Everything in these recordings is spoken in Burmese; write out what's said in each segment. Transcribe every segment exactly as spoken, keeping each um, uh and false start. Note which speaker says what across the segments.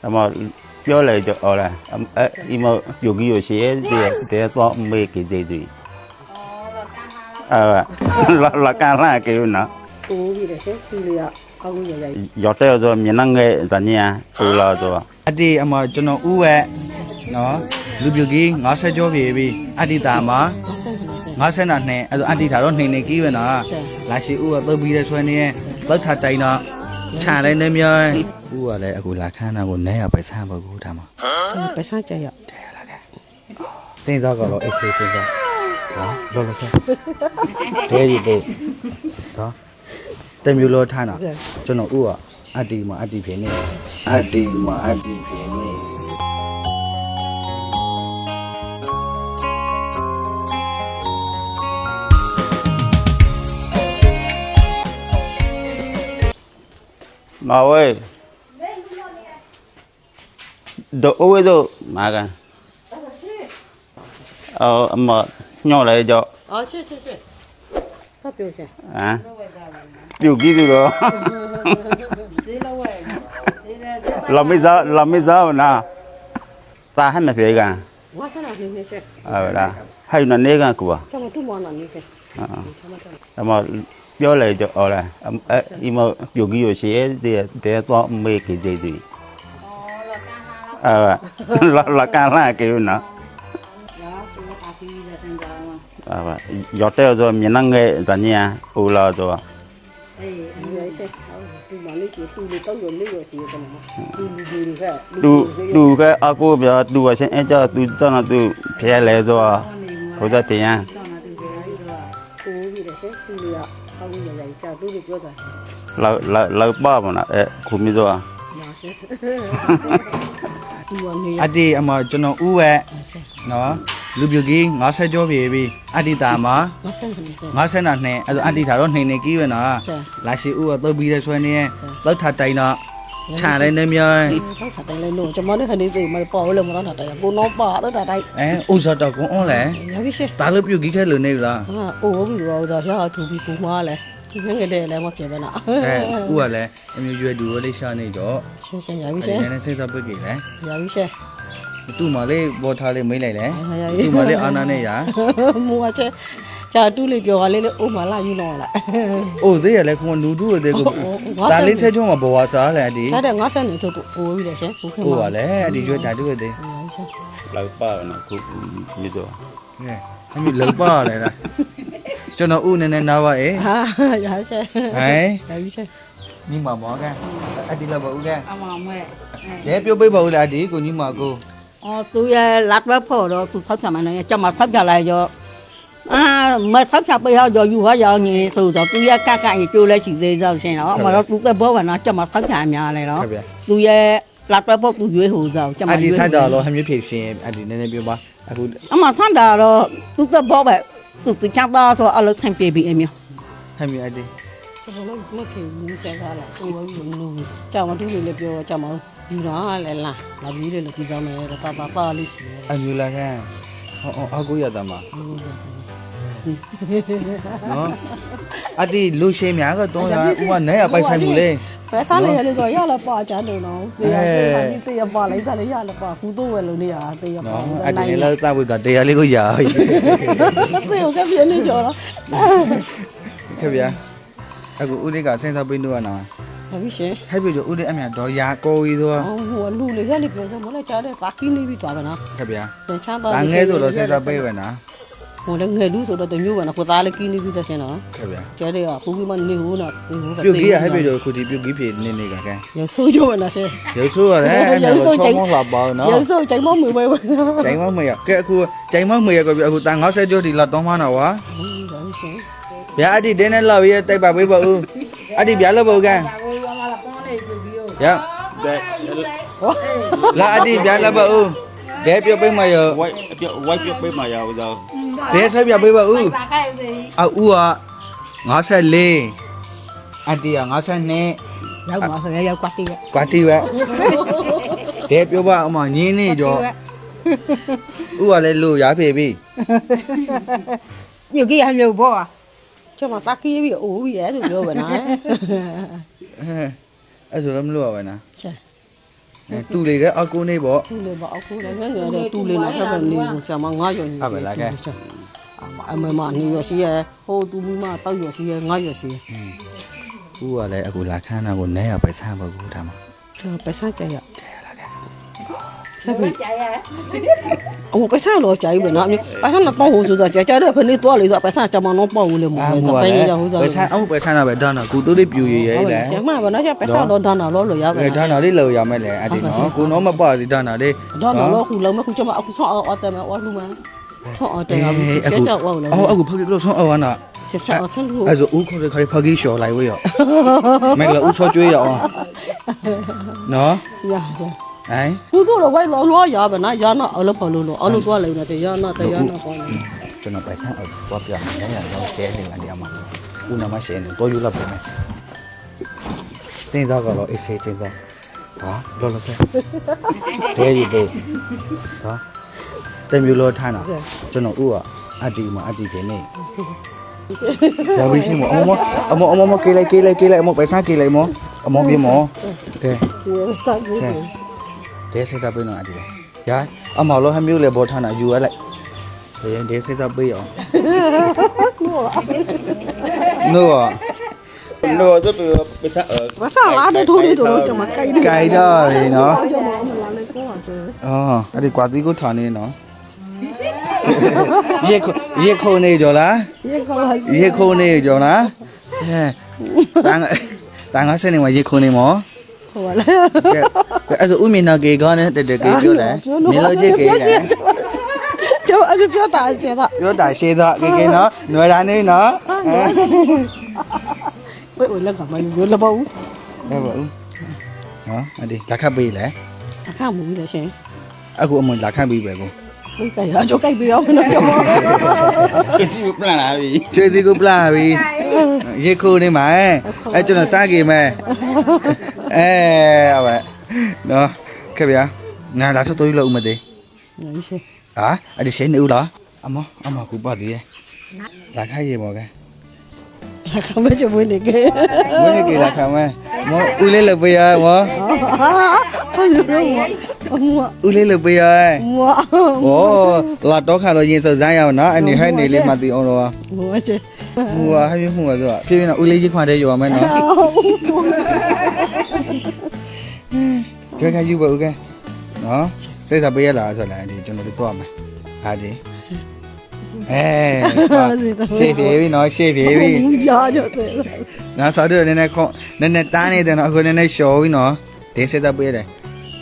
Speaker 1: 那么表来就好了，哎，因为有个有些的的多没给这嘴，啊，老老干那给有呢，
Speaker 2: 我为了些处理啊，搞个嘢嘢。
Speaker 1: 要得着闽南个怎样，好了着。
Speaker 3: အတီအမကျွန်တော်ဥဝဲနော်လူပြူကြီး၅၀ကျော်ပြီပြီအတီတာမှာ၅၀နာနဲ့အဲ့ဒါအတီတာတော့နှိမ့်နေကြီးပဲနော်လာရှိဥကသုတ်ပြီးတဲ့ဆွဲနေလောက်ထတိုင်တော့ခြံလိုက်နေမြောဥကလည်းအခုလာခန်းတာကိုနဲရပဲဆန်းပါကူထားမှာ
Speaker 2: ไปสร้างใจอ่ะ
Speaker 3: တဲ့လာခဲ့စဉ်းစားကြတော့အေးစေးစဉ်းစားနော်လောလောဆန်းတဲရီပို့နော်တမျိုးလောထားတာကျွန်တော်ဥကအတီမှာအတီဖြစ်နေအတီမှာအတီဖြစ်နေ
Speaker 1: mà ơi đồ ôi đồ mà cả ờ mà nhỏ lại cho
Speaker 2: อ๋อใช่ใช่ใช่ก็เปียวใช่
Speaker 1: à điều gì đó làm mấy giờ làm mấy giờ mà ta hay mà phải cả
Speaker 2: ว่าซะน่ะนี่นี่ใช่
Speaker 1: ờ là hay là nấy cả của
Speaker 2: จังมาตุ้มบ่น่ะนี่ใช่
Speaker 1: à mà biểu lại cho ở là ấy nhưng mà điều cái gì thì để to mấy cái gì gì ờ là là cái là cái nó à vậy giờ tới rồi miền Nam cái gì nhỉ u là rồi
Speaker 2: เอ้ยนี่ใช่ตุ้มบ่นี่สิตุ้มนี่ต้องอยู่นี่อยู่สิกันนะตุ้มดูดูแค่
Speaker 1: ดูดูcái à cô bây giờดูxem em cho tôi cho nó tôi phải lấy rồi bây giờ thì nha
Speaker 2: โอ้ยเดี๋ยวใช่ตุ้มนี่อ่ะ搞个嘢嘢จ้าตุ้มนี่เปียวจ้ะ
Speaker 1: เราเราเราบ้ามันอ่ะเอ๊ะคุณไม่รู้อ่ะ
Speaker 2: มาใช่ตุ้มบ่นี่
Speaker 3: အတီအမကျွန်တော်ဥဝဲနော်လူပြူကြီး၅၀ကျော်ပြီပြီအတီတာမှာ
Speaker 2: มาใช่นี่ใช่
Speaker 3: ၅၀နာနဲ့အဲ့ဒါအတီတာတော့နှိမ့်နေကြီးပဲနော်
Speaker 2: ใช่
Speaker 3: လာရှိဥကသုတ်ပြီးတဲ့ဆွဲနေလောက်ထတိုင်တော့ခြံလိုက်နေမြော
Speaker 2: เขาถัดได้เลยหนูจะมาได้คันนี้ตื่นมาปอเลยมาแล้วถัดได้กูน้องปอแล้วถัดได้
Speaker 3: အဲဥစားတော့ကွန်အောင်လဲ
Speaker 2: อย่าพี่เช่
Speaker 3: ဒါလို့ပြူကြီးခဲလို့နေလား
Speaker 2: อ่าโอ้พี่ดูเอาจะเชื่อถูกพี่กูมาเลยที่งั้นก็ได้แล้วมาเปลี่ยนไปนะ
Speaker 3: အဲဥကလည်းအမျိုးရွယ်တူလေးရှာနေတော့
Speaker 2: ใช่ใช่อย่าพี่
Speaker 3: အဲ့
Speaker 2: เช่
Speaker 3: ဒီနဲ့စိတ်သက်ပိတ်ကြီးလဲ
Speaker 2: อย่าพี่เช่
Speaker 3: သူ့မလေးဘောထားလေးမိတ်လိုက်လဲ
Speaker 2: อย่า
Speaker 3: သူ့မလေးအာနာနဲ့ရ
Speaker 2: มัวเช่จะတူးလေးပြောရလေးလေးအိုးမလာယူတော့လား
Speaker 3: အိုးသေးရလဲခွန်လူတူတဲ့ကိုဒါလေးဆက်ချုံးမှာဘဝစားလဲအတီ
Speaker 2: ဒါတဲ့ငါဆက်နေတော့အိုးပြီးတယ်ရှင်ဘူးခင်
Speaker 3: ဥ
Speaker 2: ဗျာ
Speaker 3: ကလည်းအတီရွယ်တာတူတဲ့
Speaker 1: เราบ้านะคุณไม่รู้
Speaker 3: ကဲအမျိုးလောက်ပါလဲလားကျွန်တော်ဥနေနေနားပါအေး
Speaker 2: ဟာอย่าเช่
Speaker 3: ဟဲ့
Speaker 2: อย่าพี่เช่
Speaker 3: ညီမမောကအတီလောက်ပါဦးကဲ
Speaker 2: เอามาแม่
Speaker 3: ရဲပြုတ်ပိတ်ပါဦးလားအတီကိုညီမကို
Speaker 2: อ๋อตูยรัดไว้พอแล้วตูทับจะมาเนี่ยจะมาทับจะอะไรจะอ่ามาทับจะไปเอาอยู่ว่าอย่างนี้ตูจะตูยกะกะอยู่เลยสิได้จะเช่เนาะมาแล้วตูก็บอกว่านะจะมาทับจะมาอะไรเนาะ
Speaker 3: ဟုတ်ဗျာ
Speaker 2: ตูยรัดไว้พอตูရွေးဟိုจะจะ
Speaker 3: အ
Speaker 2: มา
Speaker 3: တီ
Speaker 2: ရွေး
Speaker 3: ဆက်တော့လို့ဟမျိုးဖြည့်ရှင်အတီနည်းနည်းပြောပါအခု
Speaker 2: အမဆန်တာတော့သူကဘောပဲသူတချတာဆိုအလုပ်ဆိုင်ပြေပြီးအမျိုး
Speaker 3: ဟမျိုးအတီ
Speaker 2: ဘယ်လိုမခင်ဘူးဆက်ကားလားသူကလူကြောင်မတူလေးပြောကြောင်မယူတာလဲလားလာပြီးလေလို့ပြီးစားမယ်တာတာပါလေးစီ
Speaker 3: အမျိုးလာကန်ဟောအကူရတာမှာနော်အတီလူရှင်းများကတော့ရဥကနဲရပိုက်ဆိုင်မှုလေ
Speaker 2: ဘယ်စားလဲရလို့ဆိုရလာပါချမ်းတော့နော်ပြေရပြေပါဒီတေးရပါလိုက်တာလေရလာပါကူတော့ဝယ်လို့နေရတေးရပါ
Speaker 3: နော်အတီလည်းသဝိကတရားလေးကိုရ
Speaker 2: ပြေကပြေနေကြောလား
Speaker 3: ခဲ့ဗျာအခုဦးလေးကစဉ်းစားပြီးတော့နော်
Speaker 2: ဟာပြီရှင်
Speaker 3: ဟဲ့ပြီဦးလေးအမြတော့ရာကိုကြီးတော့
Speaker 2: ဟိုလူလေးရလေးပြောကြမလားကြားတဲ့ပါကီနေပြီးသွားပါနော်
Speaker 3: ခဲ့ဗျာ
Speaker 2: တချမ်းသာ
Speaker 3: ဒါငဲဆိုတော့စဉ်းစားပေးပဲနော်
Speaker 2: ဟိုလည်းငယ်လူဆိုတော့တမျိုးပဲနော်ကိုသားလေးကီနေပြီးသက်ရှင်နော်
Speaker 3: ခဲ့ဗျာ
Speaker 2: ကျဲတဲ့ကဖူးပြီးမှနေဘူးနော်ဒီဘူးပဲ
Speaker 3: ပြုတ်ကြီးရဟဲ့ပြီတော့ခုဒီပြုတ်ကြီးဖြစ်နေနေကကန်
Speaker 2: ရဆိုးကြပါလားရှင်
Speaker 3: ရုပ်ဆိုးရတယ်အဲ့ဒါတော့ချောင်းမောလာပါနော်
Speaker 2: ရဆိုးချိန်မမွေပဲပဲ
Speaker 3: ကျိုင်မမရကဲအခုကျိုင်မမရကအခုတန်၅၀ကျော်ဒီလာတော့မှနော်ဝါ
Speaker 2: ဒါရှင်
Speaker 3: ဗျာအတီတင်းနဲ့လောက်ရတိုက်ပါပေးပါဦးအတီဗျာလောက်ပါဦးကန်ရလာအတီဗျာလောက်ပါဦးဒဲပြုတ်ပေးမရ
Speaker 1: quay quay biết biết mà giàu giờ
Speaker 3: ဒဲဆက်ပြပေးပါဦးအဦးက၅၄အတီက၅၂
Speaker 2: ရောက်ပါဆိုရရောက်ကွာတိရ
Speaker 3: ကွာတီပဲဒဲပြောပါအမညင်းနေကြောဦးကလည်းလို့ရဖေပြီ
Speaker 2: ညကြီးဟလို့ဘောကျမစကီးပြီးအိုးပြီးရဲသူပြောပါနော်
Speaker 3: အဲအဲ့ဆိုတော့မလို့ပါပဲနော်
Speaker 2: ရှင်
Speaker 3: တူလေကအကူနေပေါ့
Speaker 2: တူလေပါအခုလည်းငယ်ငယ်တဲ့တူလေတော့ဖက်ပဲနေကိုကြာမငါရော်ညီအမမနေရရှိရဟိုတူမီမတောက်ရရှိရငါရရှိရ
Speaker 3: ဦးကလည်းအခုလာခန်းတာကိုနဲရပဲဆန်းပါဘူးဒါမှ
Speaker 2: ပစကြရအမပစလောကြိုင်ပဲနော်ပစနပေါ့ဟိုဆိုတော့ကြာကြာတဲ့ဖနေတော့လေဆိုပစကြမနောပေါ့ဘူးလေမဟုတ်ဘူးပဲရဟိုဆို
Speaker 3: ပဲဆန်းအမှုပဲဆန်းတာပဲဒါနာကူတူလေးပြူရရဲလေ
Speaker 2: ကျမဘာနော်ကျပစတော့ဒါနာလောလို့ရပါ
Speaker 3: အဲဒါနာလေးလောက်ရမယ်လေအဲ့ဒီနော်ကိုနော်မပါသေးဒါနာလေး
Speaker 2: ဒါနာလောခုလုံးမခုကျမအခုဆောအော်တယ်မအော်လူမဆောအော်တယ်အခုဆက်ကြောက်ဝေါလေ
Speaker 3: အော်အခုဖခင်ကလို့ဆောအော်နာ
Speaker 2: ဆက်ဆောက်ဆက်လို့
Speaker 3: အဲ့ဆိုဦးခေါ်တဲ့ခါဖခင်လျှော်လိုက်ဝေးရောမင်္ဂလာဦးဆောကျွေးရအောင်နော်
Speaker 2: ရကြ
Speaker 3: ဟိုင်း
Speaker 2: သူတို့တော့ဝိုင်းလောလောရပါနော်ရနာအလုပ်ဖော်လို့လို့အလုပ်သွားလိမ့်မယ်ရနာတရားနာပေါ့
Speaker 3: ကျွန်တော်ပဲဆန်းအော်တော့ပြမယ်ညရောကျဲနေတာဒီအမဦးနာမရှိနေတော့ယူလာပြန်မယ်စင်းစားကတော့အေးဆေးချင်းစားဟာလောလောဆဲတဲရီတေဟာတမျိုးလောထားတာကျွန်တော်ဦးကအတီမအတီခင်နေဇာဘီရှိမအမအမအမကေးလိုက်ကေးလိုက်ကေးလိုက်အမပဲဆန်းကေးလိုက်မအမပြေမကဲ
Speaker 2: စားကြည့်
Speaker 3: ဒဲစိတ်သားပေးတော့အတီရာအမလောဟမျိုးလေဘောထားတာယူရလိုက်ဒါရင်ဒဲစိတ်သားပေးအောင်နို့
Speaker 1: no tôi bị bị sợ ở
Speaker 2: ဘာသာလာတဲ့ထိုးလေးတို့ကျွန်မကြိုက်တယ်
Speaker 3: ကြိုက်တော့လေနော်
Speaker 2: ကျွန်မမလာလေးကိုပါစေ
Speaker 3: အော်အဲ့ဒီကွာတီကိုထားနေနော်ရေခုရေခုနေကြလား
Speaker 2: ရေခေါ်ပါစေ
Speaker 3: ရေခုနေကြလားဟဲ့တန်းတန်းငါစနေမှာရေခုနေမော
Speaker 2: ဟိုလေ
Speaker 3: ကဲအဲ့ဆိုဦးမင်းနာကေကောနဲ့တက်တက်ကေပြောလဲနေလို့ချစ်ကေလဲ
Speaker 2: ကျွန်မအခုပြောတာစေတာ
Speaker 3: ပြောတာရှေးတော့ကေကေနော်ຫນွယ်တာနေနော်
Speaker 2: ဝေးဝေးလက်ကမယူရလပေါ့
Speaker 3: ဟုတ်ပါဦးနော်အဲ့ဒီလက်ခတ်ပေးလဲ
Speaker 2: အခါမူကြီးလေရှင်
Speaker 3: အခုအမလက်ခတ်ပေးပဲကို
Speaker 2: ဘယ်ကရကြောက်ကြိုက်ပြရမလို့ကျွန်မ
Speaker 1: cái gì cũng là là gì
Speaker 3: ချွေစီကိုပလာပြီရေခုနေမှာအဲ့ကျွန်တော်စားကြည့်မယ်အဲအဝဲနော်ခဲ့ဗျာနာလာစတော့လို့ဦးမသေး
Speaker 2: နေရှင်
Speaker 3: ဟာအဲ့ဒီရှင်းနေဦးလားအမအမကူပါသေးရဲ့လာခိုင်းရေမော်ကဲ
Speaker 2: အခါမချမွေးနေကဲ
Speaker 3: မွေးနေကြလာခံမဲမောဦးလေးလုပ်ပေးရမော
Speaker 2: ဟာလူရောအမွာ
Speaker 3: ဦးလေးလုပ်ပေးရ
Speaker 2: မွာ
Speaker 3: ဩလာတော့ခါတော့ရင်စုံစမ်းရအောင်နော်အနေဟဲ့နေလေးမှသိအောင်တော့
Speaker 2: မွာချေ
Speaker 3: ဟိုဟာဟဲ့ပြမှုပါဆိုတော့ဖြည်းဖြည်းနဲ့ဦးလေးကြီးခွာတဲ့ရောမယ်နော်ကြွယ်ကယူပါဦးကဲနော်စိတ်သာပေးရလားဆိုလိုက်ဒီကျွန်တော်တို့တော့မယ်ဟာဒီအဲရှေ့ပြေပြီနော်ရှေ့ပြေပြီ
Speaker 2: မူကြကြတယ်
Speaker 3: နော်ဆော်တို့နည်းနည်းခေါနည်းနည်းတန်းနေတယ်နော်အခုနည်းနည်းရှော်ပြီနော်ဒီစိတ်သာပေးတယ်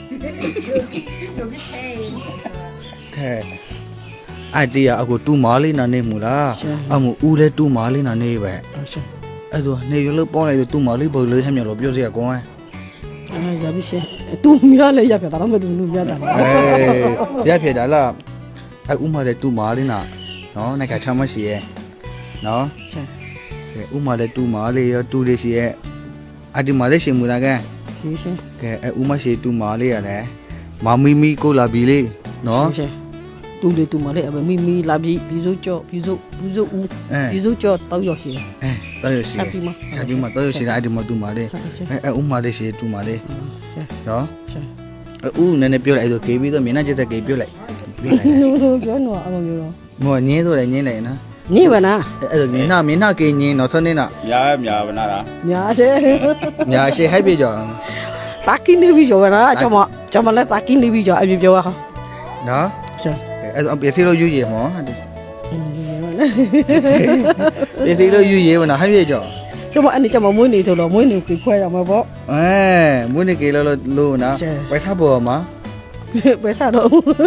Speaker 3: ခဲအတီးရအခုတူမာလေးနာနေမူလားအမှုဦးလဲတူမာလေးနာနေပဲ
Speaker 2: ရှင်
Speaker 3: အဲ့ဆိုနေရလို့ပေါင်းလိုက်ဆိုတူမာလေးပုံလေးဟမ်းမြော်လို့ပြောစရာကောင်း
Speaker 2: အဲရပြီရှင်သူများလည်းရပြတာတော့မသူလူများတာ
Speaker 3: အဲရဖြစ်တာလားအဲ့ဥမာလည်းတူမာလေးနာနော်နိုင်ကချမ်းမရှိရဲ့နော်
Speaker 2: ရှင်
Speaker 3: ကဲဥမာလည်းတူမာလေးရောတူလေးရှိရဲ့အဒီမာလေးရှင်မူလားကဲ
Speaker 2: ရှင်ရှင်
Speaker 3: ကဲအဲ့ဥမရှိတူမာလေးရတယ်မမီမီကိုလာပြီလေနော်
Speaker 2: ရှင်တူလေတူမလေးအမမီမီလာပြီပြီးစိုးကြောပြီးစိုးပြီးစိုးဦး
Speaker 3: အဲ
Speaker 2: ပြီးစိုးကြောတောက်ရောက်ရှင်
Speaker 3: အဲတော်ရရှိ
Speaker 2: ဆက်ပြီးမ
Speaker 3: ဆက်ပြီးမှတော်ရရှိတာအဒီမာတူမာလေး
Speaker 2: ရှင်
Speaker 3: အဲအဲ့ဥမာလေးရှိတူမာလေး
Speaker 2: ရှင်
Speaker 3: နော်
Speaker 2: ရှင်
Speaker 3: ဥနည်းနည်းပြောလိုက်အဲ့ဆိုကေပြီးတော့မျက်နှာကျက်တဲ့ကေပြောလိုက်ပြောလိုက်
Speaker 2: နိုးနိုးပြောနော်အမမျိုးတော့
Speaker 3: မောညင်းဆိုလည်းညင်းလိုက်နော်
Speaker 2: နေပါနာ
Speaker 3: အဲ့ဒါမျက်နှာမျက်နှာကေညင်းတော့ဆုံးနေတာ
Speaker 1: nhà nhà bên nào đó
Speaker 2: ညာရှင်
Speaker 3: ညာရှိဟိုက်ပြေကြော
Speaker 2: တာကင်းနေပြီကျော်ပါလားကျွန်မကျွန်မလည်းတာကင်းနေပြီကျော်အပြပြောပါဟာ
Speaker 3: နော်
Speaker 2: ရှင်
Speaker 3: အဲ့ဒါပစ္စည်းလို့ယူရမောပစ္စည်းလို့ယူရမနော်ဟိုက်ပြေကြော
Speaker 2: ကျွန်မအဲ့ဒီကျွန်မမွေးနေဆိုတော့မွေးနေကိုခွဲရမှာပေါ့
Speaker 3: အဲမွေးနေကေလို့လို့နော်ပိုက်စားပေါ်မှာ
Speaker 2: ပဲစားတော့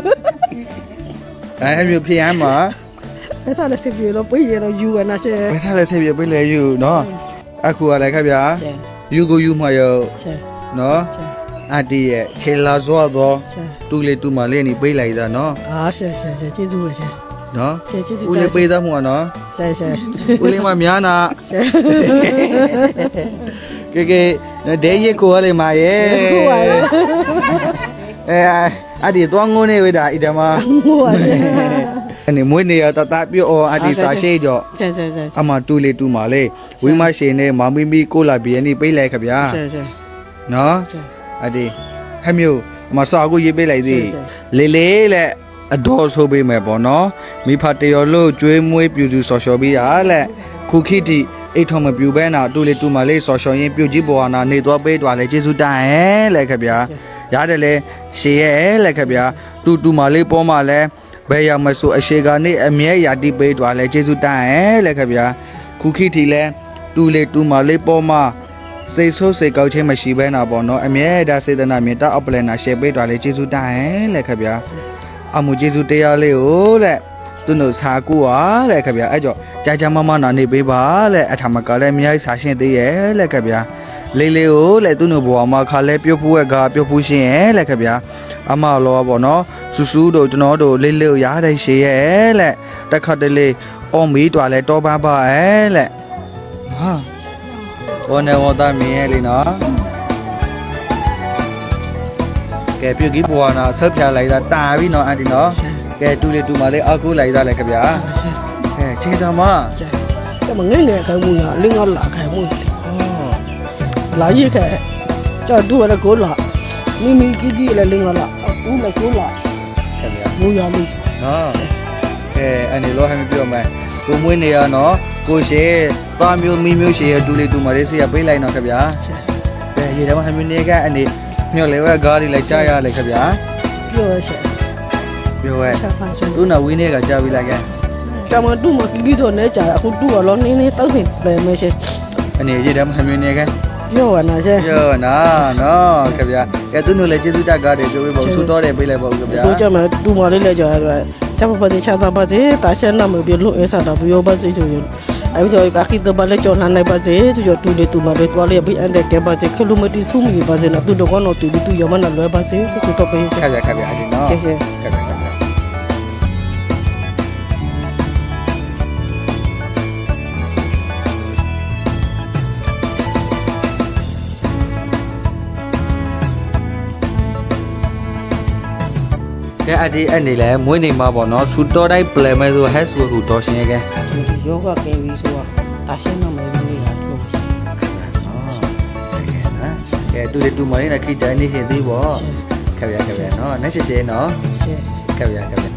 Speaker 3: အဲအဲ့မျိုးဖြစ်ရမှာ
Speaker 2: ပဲစားလည်းစစ်ပြေလို့ပြေးရတော့ယူရနာရှင်
Speaker 3: ပိုက်စားလည်းဆက်ပြပေးလေယူနော်အခုကလည်းခက်ဗျာ
Speaker 2: ရှင်
Speaker 3: ယူကိုယူမှာရော
Speaker 2: ရှင်
Speaker 3: နော်
Speaker 2: ရှင်
Speaker 3: အတီးရဲ့ခြေလာစောတော့
Speaker 2: ရှင်
Speaker 3: တူလေတူမလေးနေပေးလိုက်တာနော်
Speaker 2: အားရှင်ရှင်ရှင်ကျေးဇူးပဲရှင်
Speaker 3: နော်
Speaker 2: ရှင်ကျေးဇူး
Speaker 3: ဦးလေးပေးသားမှုကနော်
Speaker 2: ရှင်ရှင်
Speaker 3: ဦးလေးမများနာ
Speaker 2: ရှင်
Speaker 3: ကဲကဲဒဲရက်ကိုရလေမာရဲ့
Speaker 2: ဟုတ်ပါရဲ့
Speaker 3: အဲအဒီတော့ငုံနေဝတာဣတမ
Speaker 2: ဟုတ်ပါရဲ့
Speaker 3: အနေမွေးနေရတတပြောအဒီစာရှိကြော
Speaker 2: ရှင်ရှင်ရှင်
Speaker 3: အမတူလေတူမာလေဝိမရှိနေမမီမီကိုလာဘီယနီပေးလိုက်ခဗျာ
Speaker 2: ရှင်ရှင်
Speaker 3: နော်
Speaker 2: ရှင်
Speaker 3: အဒီဟဟဲ့မျိုးမစာကိုရေးပေးလိုက်သေးလေလေလက်အတော်ဆိုပေးမယ်ပေါ့နော်မိဖတရော်လို့ကျွေးမွေးပြူစုဆော်လျှော်ပြီးရလက်ခုခိတိအိတ်ထုံမပြူပဲနာတူလေတူမလေးဆော်လျှော်ရင်ပြုတ်ကြီးပေါ်နာနေသွားပေးသွားလေကျေးဇူးတိုင်ဟဲလက်ခဗျာရတယ်လေရှေရဲလက်ခဗျာတူတူမလေးပေါ်မှာလဲဘယ်ရမဆိုအရှိကနေအမြဲရာတိပေးသွားလဲကျေးဇူးတိုင်ဟဲလက်ခဗျာခုခိတိလဲတူလေတူမလေးပေါ်မှာစိတ်ဆိုးစိတ်ကောက်ချင်းမရှိဘဲနာပေါ့နော်အမြဲဒါစေတနာမြေတာအပလနာရှယ်ပေးသွားလေကျေးဇူးတိုင်ဟဲလက်ခဗျာအမှုကျေးဇူးတရားလေးကိုလက်သူတို့စာကူပါလက်ခဗျာအဲ့ကြောကြာကြာမမနာနေပေးပါလက်အထမကလည်းအများကြီးစာရှင်းသေးရဲ့လက်ခဗျာလေးလေးကိုလက်သူတို့ဘဝမှာခါလဲပြုတ်ဖူးရဲ့ကပြုတ်ဖူးရှင်းရဲ့လက်ခဗျာအမလောပေါ့နော်ဆူဆူတို့ကျွန်တော်တို့လေးလေးကိုရားတဲ့ရှေရဲ့လက်တက်ခတ်တလေးအော်မီတွာလဲတောပါပါရဲ့လက်ဟာဘောနေဝတာမြင်ရဲ့လေနော်ကဲပြုတ်ကြီးဘဝနာဆက်ပြလိုက်တာတာပြီနော်အန်တီနော်ကဲတူလေတူမလေးအကူလိုက်သားလေခဗျာကဲချင်းသမ
Speaker 4: 这么硬的开木呀，另外拉开木的，拉一开，这多了够拉，你没几几了另外拉，我们够拉，
Speaker 3: ခဗျာ
Speaker 4: 木呀里，
Speaker 3: နော်ကဲအန်ဒီလောဟမ်းပြောမယ်ကိုမွေးနေရနော်ကိုရှေသားမျိုးမီးမျိုးရှေတူလေတူမလေးစီရပေးလိုက်နော်ခဗျာကဲရေတမဟမ်းမျိုးနေကအန်ဒီမြော်လေဝဲကားလေးလိုက်ကြားရလေခဗျာ
Speaker 4: 表些，
Speaker 3: ပြောဝဲ
Speaker 4: 才发现，
Speaker 3: သူ့နာဝင်းနေကကြားပြီးလိုက်ကဲ
Speaker 4: 咱们都么里头那家，我都了你你都是白那些，
Speaker 3: အနေရေတမဟမ်းမျိုးနေကဲ
Speaker 4: 表啊那些，
Speaker 3: ပြောနော်နော်ခဗျာကဲသူ့နုလည်းကျေးဇူးတက်ကားတယ်ပြောပြီးပေါ့ဆူတော်တယ်ပေးလိုက်ပေါ့ခဗျာ
Speaker 4: 我这么都么里来家来，咱们把这抢到把这，大些那么别路一啥的不要把这就有。哎，我叫一个去到把那叫那那把这，就叫都的都嘛的，多了不按的给把这，可路么的苏米把这那都的光那都的都要么那来把这，就就到白些
Speaker 3: ခ。ဗျာခဗျာအဒီနော်
Speaker 4: 谢谢。
Speaker 3: ခဗျာခဗျာကဲအဒီအဲ့နေလဲမွေးနေမှာပေါ့နော်ဆူတော်တိုင်းပလဲမဲဆိုဟက်ဆိုဟူတော်ရှင်ရဲ့ကဲ
Speaker 4: ယောဂကဲပြီးဆိုတော့ဒါရှင်းတော့မယ်လို့ရတော့ရှိ
Speaker 3: ကဲတူလေတူမလေးနဲ့ခိတိုင်းနေရှင်သေးပေါ့ခဗျာခဗျာနော်နဲ့ရှေရှေနော်
Speaker 4: ရှင်း
Speaker 3: ခဗျာခဗျာ